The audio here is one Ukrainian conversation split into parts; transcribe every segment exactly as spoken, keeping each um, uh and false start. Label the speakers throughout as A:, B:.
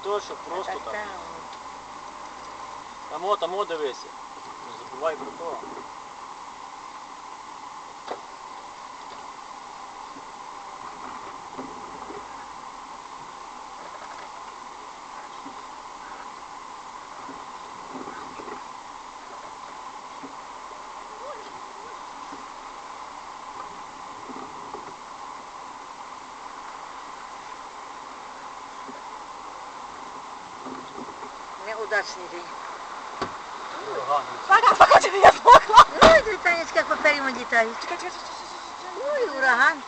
A: все, щоб просто
B: Так,
A: так.
B: так.
A: Тамо, тамо дивися. Не забувай про то.
B: Неудачний день.
C: Пока, пока, тебе я змокла.
B: Ой, дві Танечка, як паперімо літають.
C: Чекай, чекай, чекай, чекай.
B: Ой, ураган.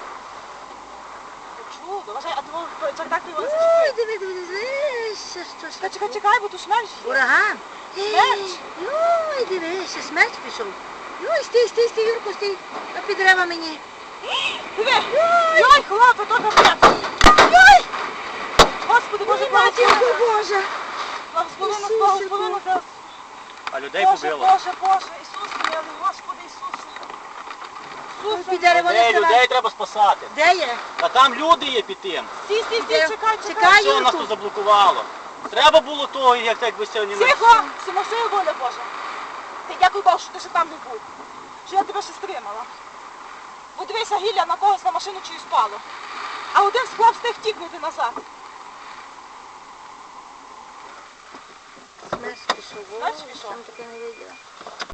C: Чудо, вважай, а думав, чердак його
B: Ой,
C: зачепив.
B: диви, диви, дивися, що ж.
C: Чекай, чекай, чекай, бо тут смерч є.
B: Ураган.
C: Смерч.
B: Ой, дивися, смерч пішов. Ой, стій, стій, стій, Юрко, стій. А під дерева мені.
C: Диви, йой, хлопе, то капець. Йой! Господи, Боже,
B: Ой, матінко
C: благослови.
B: Божа.
C: Благослови нас,
B: Ісусе,
C: благослови нас.
A: А людей
C: Боже,
A: побило.
C: Боже, Боже, Ісус милий, Господи, Ісусе.
B: Ой,
C: Ісусе,
B: під дерево не
A: Людей,
B: ставай.
A: людей треба спасати.
B: Де є?
A: А там люди є під тим.
C: стій, стій, стій,
B: Де?
C: чекай,
B: Чекай.
C: чекай.
A: Все нас тут заблокувало. Треба було того, як так би сьогодні не...
C: Тихо, Симофія, воля Божа. Ти дякую Богу, що ти ще там не був. Що я тебе ще стримала. Подивися, гілля на когось на машину чиюсь спало. А один склав встиг тікнути назад.
B: Смерч пішов.
C: Смерч
B: Ой,
C: пішов?
B: Там таке не виділа.